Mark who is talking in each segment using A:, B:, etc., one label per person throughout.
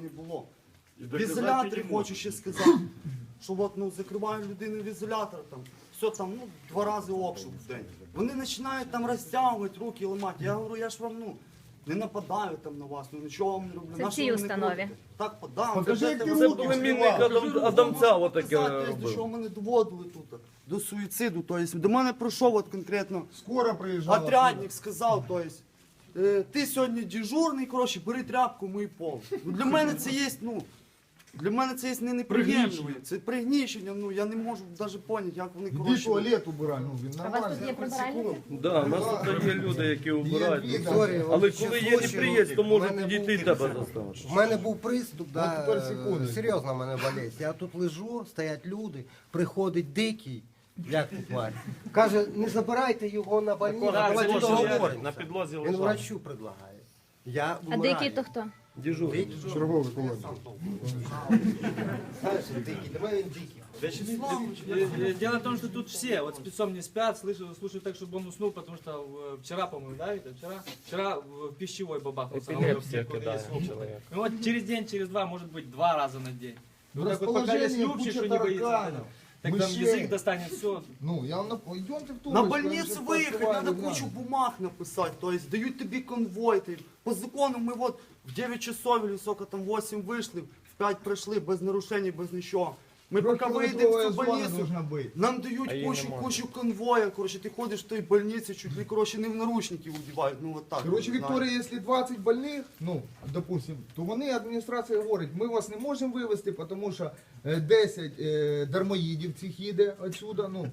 A: не було. В ізоляторі хочу ще сказати, що от, ну, закриваю людину в ізолятор, там, все там, ну, 2 рази обшук в день. Вони починають там розтягувати, руки ламати. Я говорю, я ж вам, ну, не нападаю там на вас, ну нічого вам не роблю.
B: Це в
A: Нащо
B: цій
A: ви мене
B: установі?
A: крутите? Так, подам.
C: Покажи, як ти
D: Це
C: руки
D: племінник Адамця отаке
A: До
D: робив.
A: чого мене доводили тут? До суїциду. Тобто, до мене прийшов от конкретно
C: Скоро приїжджала.
A: отрядник, сказав, тобто, ти сьогодні дежурний, коротше, бери тряпку, мий пол. Ну, для мене це є, ну, для мене це є не неприємно. Це пригнічення, ну, я не можу навіть поняти, як вони,
C: Іди
A: коротше.
C: туалет убирай, ну він
B: А у вас
C: нормально.
B: тут є прибиральники?
D: Да, у нас тут є люди, які обирають.
C: Вікторія,
D: Але коли є неприєць, то може підійти і тебе заставити.
E: У мене був приступ,
C: От тепер секунду.
E: серйозно в мене болить. Я тут лежу, стоять люди, приходить дикий, як тут тварь. Каже, не забирайте його на больницю, давайте договоримося.
D: На підлозі
E: Він
D: лежав.
E: врачу предлагає. Я
B: А
E: вмираю.
B: дикий то хто?
D: Дежурний.
C: Черговий колоній.
E: Знаєш, дикий, для мене він дикий.
F: Дело в том, что тут все вот спецом не спят, слушают так, чтобы он уснул, потому что вчера, по-моему, да, это вчера в пищевой бабахался.
D: Епілепсія кидає чоловік.
F: Ну вот через день, через 2, может быть, 2 раза на день. Ну так вот пока
C: Расположение,
F: есть любче,
C: куча
F: что не боится,
C: тараканов,
F: так там
C: мышей.
F: язык достанет, все.
C: Ну, я вам йдемте в ту.
A: На больницу виїхати, треба кучу бумаг написати, тобто дають тобі конвой. По закону ми от в 9 часов, или сколько там, 8 вийшли, в 5 прийшли, без нарушень, без нічого. Ми поки вийдемо в цю больницю, нам дають кучу конвоя, коротше, ти ходиш в той больниці, чуть ли, коротше, не в наручники вдівають, ну от так.
C: Короче, Вікторія, якщо 20 больних, ну, допустим, то вони, адміністрація говорить, ми вас не можемо вивезти, тому що 10 дармоїдів цих їде отсюда, ну,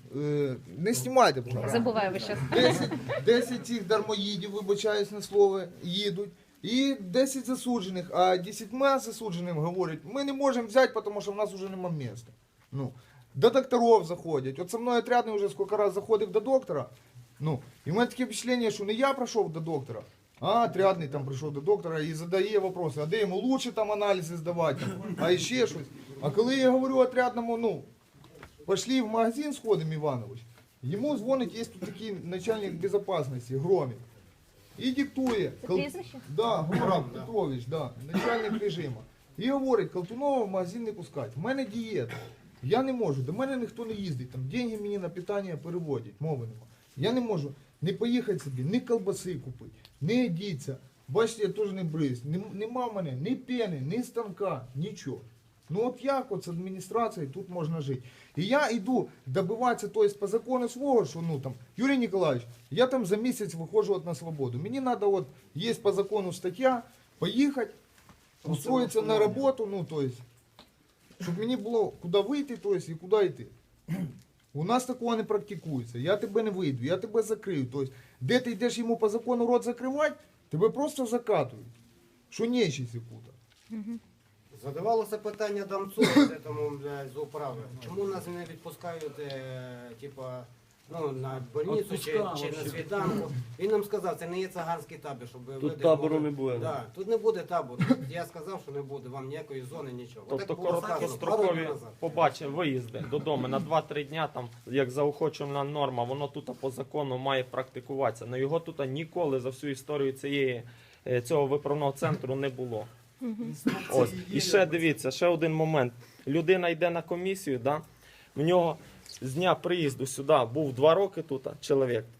C: не знімайте, будь ласка.
B: Забуваю ви щас.
C: 10 цих дармоїдів, вибачаюсь на слово, їдуть. І 10 засуджених, а 10 засудженим говорять, ми не можемо взяти, тому що в нас вже немає місця. Ну, до докторів заходять. От со мною отрядний вже скільки разів заходив до доктора. Ну, і в мене таке впечатлення, що не я прийшов до доктора, а отрядний там прийшов до доктора і задає питання, а де йому лучше там аналізи здавати, а ще щось. А коли я говорю отрядному, ну, пішли в магазин сходимо, Іванович, йому дзвонить, є тут такий начальник безпечності, Громик. І диктує.
B: Це прізвище?
C: Да, Гурам Петрович, да, начальник режиму. І говорить, Колтунова в магазин не пускати. В мене дієта. Я не можу, до мене ніхто не їздить. Там деньги мені на питання переводять, мови нема. Я не можу не поїхати собі, ні колбаси купити, не одіться. Бачите, я теж не бриз. Нема в мене ні пени, ні станка, нічого. Ну от як от з адміністрацією тут можна жити? І я йду добиватися, тобто по закону свого, що ну там, Юрій Ніколаївич, я там за місяць виходжу от на свободу. Мені треба, от, є по закону стаття, поїхати, устроїтися на роботу, ну тобто, щоб мені було куди вийти, тобто, і куди йти. У нас такого не практикується. Я тебе не вийду, я тебе закрию. Тобто, де ти йдеш йому по закону рот закривати, тебе просто закатують. Що нечість яку-то.
E: Задавалося питання Дамцу, тому, з управи. Чому нас не відпускають, типа, ну, на больницю чи на світанку? Він нам сказав, це не є циганський табір, щоб ви...
D: Тут табору не буде.
E: Да, тут не буде табору. Я сказав, що не буде, вам ніякої зони, нічого.
G: Тобто
E: Отак було сказано пару
G: короткострокові
E: днів назад.
G: побачимо виїзди додому на 2-3 дня, там, як заохочувана норма, воно тут по закону має практикуватися. Но його тут ніколи за всю історію цього виправного центру не було. Ось. І ще дивіться, ще один момент. Людина йде на комісію, да? В нього з дня приїзду сюди був 2 роки тут чоловік.